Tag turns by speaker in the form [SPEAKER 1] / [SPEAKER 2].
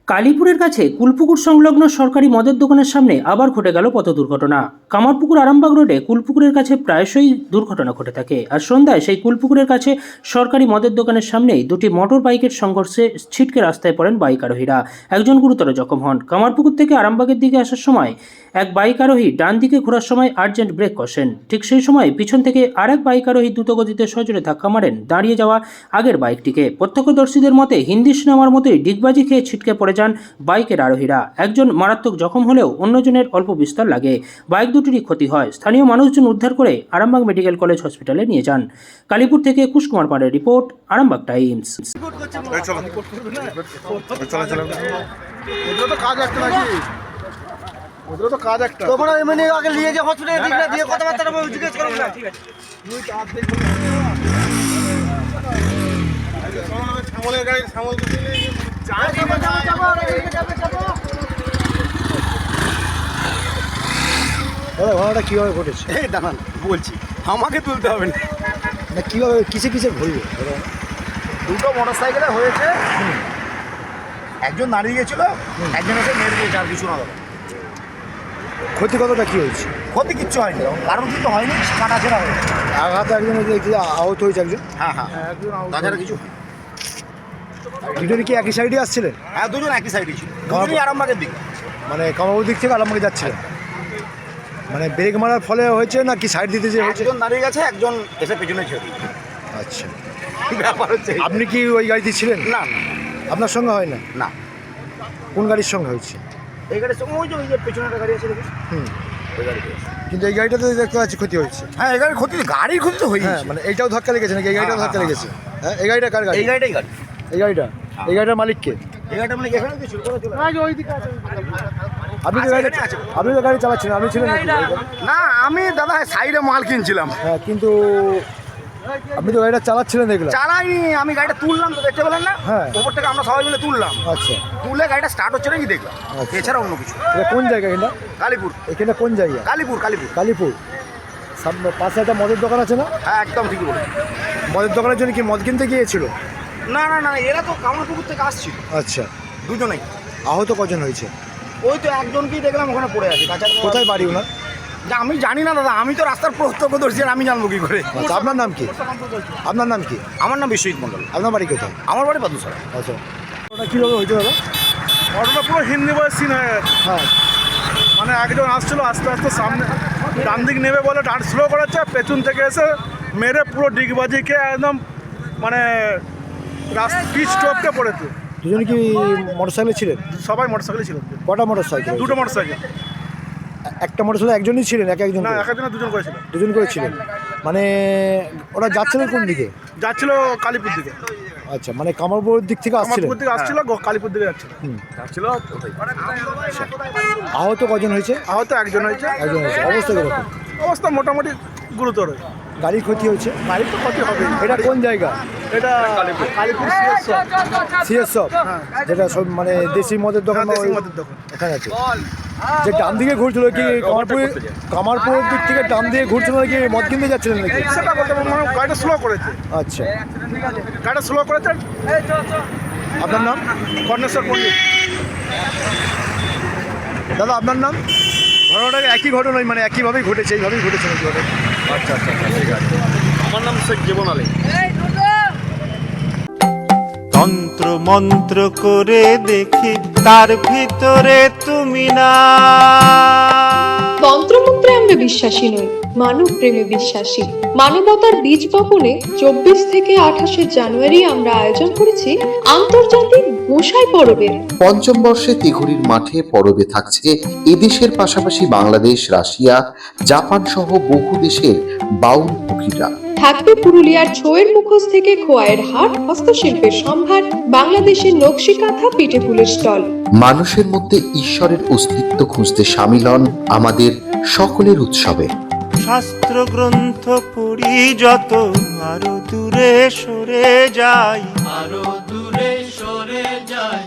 [SPEAKER 1] কালীপুরের কাছে কুলপুকুর সংলগ্ন সরকারি মদের দোকানের সামনে আবার ঘটে গেল পথ দুর্ঘটনা। কামারপুকুর আরামবাগ রোডে কুলপুকুরের কাছে প্রায়শই দুর্ঘটনা ঘটে থাকে। আর সন্ধ্যায় সেই কুলপুকুরের কাছে সরকারি মদের দোকানের সামনেই দুটি মোটর বাইকের সংঘর্ষে ছিটকে রাস্তায় পড়েন বাইক আরোহীরা। একজন গুরুতর জখম হন। কামারপুকুর থেকে আরামবাগের দিকে আসার সময় এক বাইক আরোহী ডান দিকে ঘোরার সময় আর্জেন্ট ব্রেক কষেন। ঠিক সেই সময় পিছন থেকে আরেক বাইক আরোহী দ্রুতগতিতে সজোরে ধাক্কা মারেন দাঁড়িয়ে যাওয়া আগের বাইকটিকে। প্রত্যক্ষদর্শীদের মতে হিন্দি সিনেমার মতোই ডিগবাজি খেয়ে ছিটকে পড়ে যান বাইকের আরোহীরা। একজন মারাত্মক জখম হলেও অন্যজনের অল্প বিস্তর লাগে। বাইক দুটিরই ক্ষতি হয়। স্থানীয় মানুষজন উদ্ধার করে আরামবাগ মেডিকেল কলেজ হসপিটালে নিয়ে যান। কালীপুর থেকে কুশ কুমার পাড়ের রিপোর্ট, আরামবাগ টাইমস।
[SPEAKER 2] ঘটনাটা কিভাবে ঘটেছে?
[SPEAKER 3] এই দাঁড়ান বলছি, আমাকে তুলতে হবে না।
[SPEAKER 2] কিভাবে কিসে কিসে ঘুরবে?
[SPEAKER 3] দুটো মোটর সাইকেলে হয়েছে, একজন দাঁড়িয়ে গেছিল, একজন এসে মেরে দিয়েছে, আর কিছু না। দাদা
[SPEAKER 2] ক্ষতি কতটা কি হয়েছে?
[SPEAKER 3] ক্ষতি কিচ্ছু হয়নি, কারণ কিন্তু হয়নি, কাটাছেড়া হয়েছে।
[SPEAKER 2] আঘাত একজন আহত হয়েছে একজন।
[SPEAKER 3] হ্যাঁ, তাছাড়া কিছু।
[SPEAKER 2] দুজনে কি একই সাইডে আসছিলেন?
[SPEAKER 3] হ্যাঁ, দুজন একই সাইডে ছিল, দুজনই আরামবাগের দিকে,
[SPEAKER 2] মানে কামারপুর দিক থেকে আরামবাগে যাচ্ছিলেন। মানে ব্রেক মারার ফলে হয়েছে না কি সাইড দিতে যে হয়েছে?
[SPEAKER 3] একজন দাঁড়িয়ে গেছে, একজন এসে পেছনে ছেড়ে।
[SPEAKER 2] আচ্ছা,
[SPEAKER 3] ব্যাপার হচ্ছে
[SPEAKER 2] আপনি কি ওই গাড়িতে ছিলেন?
[SPEAKER 3] না,
[SPEAKER 2] আপনার সঙ্গে হয় না?
[SPEAKER 3] না।
[SPEAKER 2] কোন গাড়ির সঙ্গে হয়েছে?
[SPEAKER 3] এই গাড়ির সঙ্গে ওই যে পেছনে একটা গাড়ি আছে দেখুন, ওই গাড়িতে।
[SPEAKER 2] কিন্তু এই গাড়িটাতে দেখতে পাচ্ছি ক্ষতি হয়েছে।
[SPEAKER 3] হ্যাঁ, এই গাড়ির ক্ষতি, গাড়ির ক্ষতি তো হয়েছে।
[SPEAKER 2] হ্যাঁ, মানে এইটাও ধাক্কা লেগেছে নাকি? এই গাড়িটাও ধাক্কা লেগেছে? হ্যাঁ, এই গাড়িটা কার গাড়ি?
[SPEAKER 3] এই গাড়িটাই গাড়ি।
[SPEAKER 2] এই গাড়িটা, এই গাড়িটার মালিককে?
[SPEAKER 3] এই গাড়িটা মানে এখানে কিছু
[SPEAKER 2] আপনি তো গাড়ি আপনি তো গাড়ি চালাচ্ছিলেন, আপনি ছিলেন নাকি?
[SPEAKER 3] না, আমি দাদা সাইডে মাল কিনছিলাম।
[SPEAKER 2] হ্যাঁ, কিন্তু আপনি তো গাড়িটা চালাচ্ছিলেন দেখলাম।
[SPEAKER 3] চালাইনি, আমি গাড়িটা তুললাম, তো দেখতে পেলেন না?
[SPEAKER 2] হ্যাঁ,
[SPEAKER 3] ওপর থেকে আমরা সবাই মিলে তুললাম।
[SPEAKER 2] আচ্ছা,
[SPEAKER 3] তুলে গাড়িটা স্টার্ট হচ্ছে নাকি দেখলাম,
[SPEAKER 2] আচ্ছা।
[SPEAKER 3] এছাড়া অন্য কিছু।
[SPEAKER 2] এটা কোন জায়গা? এটা
[SPEAKER 3] কালীপুর।
[SPEAKER 2] এখানে কোন জায়গা?
[SPEAKER 3] কালীপুর।
[SPEAKER 2] কালীপুর। সামনে পাশে একটা মদের দোকান আছে না?
[SPEAKER 3] হ্যাঁ, একদম ঠিকই বলে।
[SPEAKER 2] মদের দোকানের জন্য কি মদ কিনতে গিয়েছিল?
[SPEAKER 3] না, এরা তো কামারপুকুর থেকে আসছিল।
[SPEAKER 2] আচ্ছা,
[SPEAKER 3] দুজনেই।
[SPEAKER 2] আহত কজন হয়েছে?
[SPEAKER 3] ওই তো একজনকেই দেখলাম ওখানে পড়ে আছে। তাছাড়া
[SPEAKER 2] কোথায় বাড়ি ওনার?
[SPEAKER 3] আমি জানি না দাদা, আমি তো রাস্তার প্রত্যক্ষদর্শী, আর আমি জানবো কি করে?
[SPEAKER 2] আচ্ছা, আপনার নাম কি? আপনার নাম কি?
[SPEAKER 3] আমার নাম বিশ্বজিৎ মন্ডল।
[SPEAKER 2] আপনার বাড়ি কোথায়?
[SPEAKER 3] আমার বাড়ি পাদুসরা।
[SPEAKER 2] আচ্ছা, ওটা কীভাবে হয়েছে দাদা?
[SPEAKER 4] ঘটনা পুরো হিন্দি বয়ের সিন হয়ে গেছে।
[SPEAKER 2] হ্যাঁ,
[SPEAKER 4] মানে একজন আসছিল আস্তে আস্তে সামনে, ডান দিক নেবে বলে ডান স্লো করাচ্ছে, পেছন থেকে এসে মেরে পুরো ডিগবাজি খেয়ে একদম মানে পিচ টপকে পড়েছে।
[SPEAKER 2] দুজনে কি মোটরসাইকেলে ছিলেন?
[SPEAKER 4] সবাই মোটরসাইকেলে ছিল।
[SPEAKER 2] কটা মোটরসাইকেল?
[SPEAKER 4] দুটো মোটরসাইকেল।
[SPEAKER 2] একটা মোটরসাইকেল একজনই ছিলেন? একজন
[SPEAKER 4] না,
[SPEAKER 2] করে?
[SPEAKER 4] এক একজনে দুজন করেছিল।
[SPEAKER 2] দুজন করে ছিলেন। মানে ওরা যাচ্ছিলেন কোন দিকে?
[SPEAKER 4] যাচ্ছিল কালীপুর দিকে।
[SPEAKER 2] আচ্ছা, মানে কামারপুর দিক থেকে আসছিলেন?
[SPEAKER 4] কামারপুর দিকে আসছিল, কালীপুর দিকে যাচ্ছিল।
[SPEAKER 3] যাচ্ছিল।
[SPEAKER 2] আহত কজন হয়েছে?
[SPEAKER 4] আহত একজন হয়েছে।
[SPEAKER 2] একজন হয়েছে। অবস্থা কিরকম?
[SPEAKER 4] অবস্থা মোটামুটি গুরুতর।
[SPEAKER 2] গাড়ির ক্ষতি হয়েছে?
[SPEAKER 4] গাড়ির তো ক্ষতি হবে।
[SPEAKER 2] এটা কোন জায়গা?
[SPEAKER 4] এটা কালীপুর
[SPEAKER 2] সিএস শপ, যেটা সব মানে দেশি মদের দোকান,
[SPEAKER 4] দেশি মদের দোকান
[SPEAKER 2] এখানে আছে। যে ডান দিকে ঘুরছিল কি কামারপুরের দিক থেকে ডান দিকে ঘুরছিল নাকি মদ কিনতে যাচ্ছিলেন নাকি?
[SPEAKER 4] সেটা বলতে পারবো না, গাড়িটা স্লো করেছে।
[SPEAKER 2] আচ্ছা,
[SPEAKER 4] গাড়িটা স্লো করেছে।
[SPEAKER 2] আপনার নাম?
[SPEAKER 4] কর্ণেশ্বর পণ্ডিত।
[SPEAKER 2] দাদা আপনার নাম? ঘটনাটা একই ঘটনাই, মানে একইভাবেই ঘটেছে, এইভাবেই ঘটেছে নাকি ঘটনা? আচ্ছা, ঠিক আছে।
[SPEAKER 4] আমার নাম শেখ জীবন আলী।
[SPEAKER 5] তন্ত্র মন্ত্র করে দেখি তার ভিতরে তুমি না।
[SPEAKER 6] তন্ত্রমন্ত্রে আমরা বিশ্বাসী নই, মানব প্রেমে বিশ্বাসী। মানবতার বীজ বপনে 24 থেকে 28 জানুয়ারি আমরা আয়োজন করেছি আন্তর্জাতিক গোসাই পরবের।
[SPEAKER 7] পঞ্চম বর্ষে তিঘুরির মাঠে পরবে থাকছে এদেশের পাশাপাশি বাংলাদেশ, রাশিয়া, জাপান সহ বহু দেশের বাউল পুকিরা।
[SPEAKER 6] থাকবে পুরুলিয়ার ছোয়ের মুখোশ থেকে খোয়াইয়ের হাট, হস্তশিল্পের সম্ভার, বাংলাদেশের নকশি কাঁথা, পিঠে ফুলের স্টল।
[SPEAKER 7] মানুষের মধ্যে ঈশ্বরের অস্তিত্ব খুঁজতে সামিল হন আমাদের সকলের উৎসবে।
[SPEAKER 5] শাস্ত্র গ্রন্থ পড়ি যত আরো দূরে সরে যাই, আরো দূরে সরে যাই।